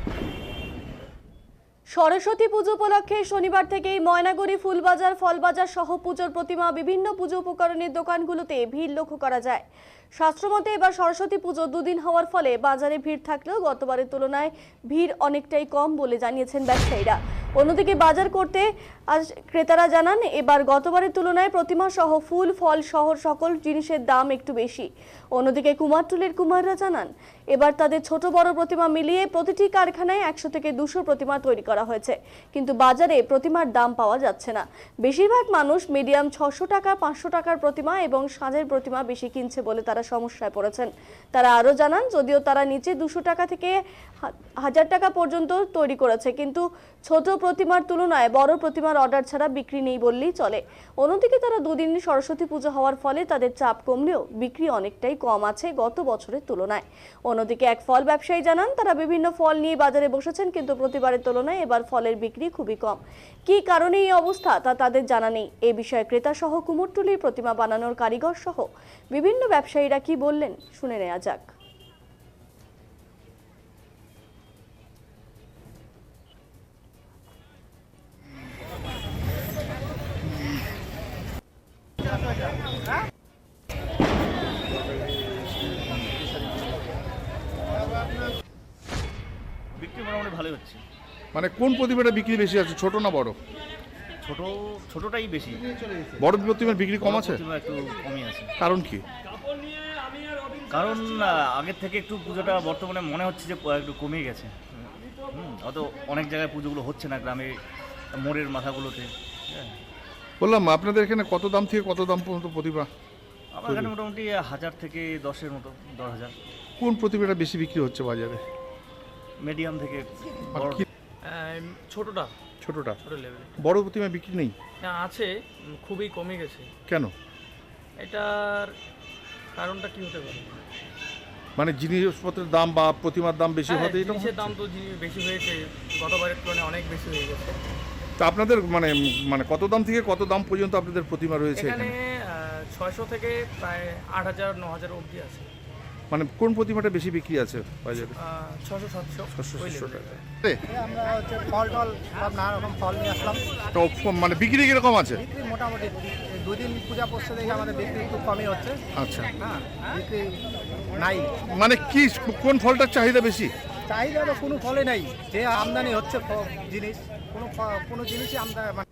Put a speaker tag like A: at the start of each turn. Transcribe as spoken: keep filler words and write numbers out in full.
A: সরস্বতী পুজো উপলক্ষে শনিবার থেকেই ময়নাগুড়ি ফুলবাজার ফলবাজার সহ পুজোর প্রতিমা বিভিন্ন পুজো উপকরণের দোকানগুলোতে ভিড় লক্ষ্য করা যায়। শাস্ত্রমতে এবার সরস্বতী পুজো দুদিন হওয়ার ফলে বাজারে ভিড় থাকলেও গতবারের তুলনায় ভিড় অনেকটাই কম বলে জানিয়েছেন ব্যবসায়ীরা। অন্যদিকে বাজার করতে আজ ক্রেতারা জানান এবার গতবারের তুলনায় প্রতিমা সহ ফুল ফল সহ সকল জিনিসের দাম একটু বেশি। অন্যদিকে কুমারটুলির কুমাররা জানান এবার তাদের ছোট বড় প্রতিমা মিলিয়ে প্রতিটি কারখানায় একশো থেকে দুশো প্রতিমা তৈরি করা হয়েছে, কিন্তু বাজারে প্রতিমার দাম পাওয়া যাচ্ছে না। বেশিরভাগ মানুষ মিডিয়াম ছশো টাকা পাঁচশো টাকার প্রতিমা এবং সাজের প্রতিমা বেশি কিনছে বলে তারা সমস্যায় পড়েছেন। তারা আরও জানান যদিও তারা নিচে দুশো টাকা থেকে হাজার টাকা পর্যন্ত তৈরি করেছে, কিন্তু ছোট প্রতিমার তুলনায় বড় প্রতিমার অর্ডার ছাড়া বিক্রি নেই বললেই চলে। অন্যদিকে তারা দুদিন সরস্বতী পুজো হওয়ার ফলে তাদের চাপ কমলেও বিক্রি অনেকটাই কম আছে গত বছরের তুলনায়। অন্যদিকে এক ফল ব্যবসায়ী জানান তারা বিভিন্ন ফল নিয়ে বাজারে বসেছেন, কিন্তু প্রতিবারের তুলনায় এবার ফলের বিক্রি খুবই কম। কী কারণে এই অবস্থা তা তাদের জানা নেই। এ বিষয়ে ক্রেতা সহ কুমোরটুলির প্রতিমা বানানোর কারিগর সহ বিভিন্ন ব্যবসায়ীরা কি বললেন শুনে নেওয়া যাক।
B: বিক্রি মোটামুটি ভালোই হচ্ছে।
C: মানে কোন প্রতিমাটা বিক্রি বেশি আছে, ছোট না বড়?
B: ছোট ছোটটাই বেশি,
C: বড় প্রতিমার বিক্রি কম আছে?
B: প্রতিমা একটু কমই আছে।
C: কারণ কি?
B: কারণ আহ, আগের থেকে একটু পুজোটা বর্তমানে মনে হচ্ছে যে একটু কমে গেছে। হুম অত অনেক জায়গায় পুজোগুলো হচ্ছে না, গ্রামে মোড়ের মাথাগুলোতে। হ্যাঁ,
C: বললাম আপনাদের এখানে কত দাম থেকে কত দাম পর্যন্ত প্রতিমা?
B: আমার এখানে মোটামুটি হাজার থেকে দশের মতো, দশ হাজার।
C: কোন প্রতিমাটা বেশি বিক্রি হচ্ছে বাজারে?
B: মিডিয়াম থেকে
C: আর
B: বড়।
C: কি-
D: ছোটটা
C: ছোটটা।
D: ছোট লেভেলে
C: বড় প্রতিমা বিক্রি নেই
D: না, আছে, উম, খুবই কমে গেছে।
C: কেন?
D: এটার কারণটা কি হতে পারে?
C: মানে জিনিসপত্রের দাম বা প্রতিমার দাম বেশি
D: হ্যাঁ,
C: হতে এটা
D: জিনিসের দাম তো জিনিস বেশি হয়েছে, গতবারের তুলনায় অনেক বেশি হয়ে গেছে।
C: তা আপনাদের মানে মানে কত দাম থেকে কত দাম পর্যন্ত আপনাদের প্রতিমা রয়েছে
D: এখানে
C: এখানে?
D: ছয়শো থেকে প্রায় আট হাজার ন হাজার অবধি আছে।
C: মানে কোন প্রতিমাটা বেশি বিক্রি আছে বাজারে?
D: ছশো সাতশো
C: ছশো
D: ওই
C: সাতশো
D: level
C: টাকা।
D: এ।
C: এ,
E: আমরা হচ্ছে ফল টল সব নানা রকম ফল নিয়ে আসলাম।
C: তো মানে বিক্রি কিরকম আছে?
E: বিক্রি মোটামুটি দুদিন পূজা পড়ছে দেখে আমাদের বিক্রি খুব কমই হচ্ছে।
C: আচ্ছা,
E: হ্যাঁ, বিক্রি নাই।
C: মানে কি কোন ফলটার চাহিদা বেশি?
E: চাহিদা তো কোনো ফলে নাই, যে আমদানি হচ্ছে ফ- জিনিস কোনো ফ- কোনো জিনিসই আমদানি মানে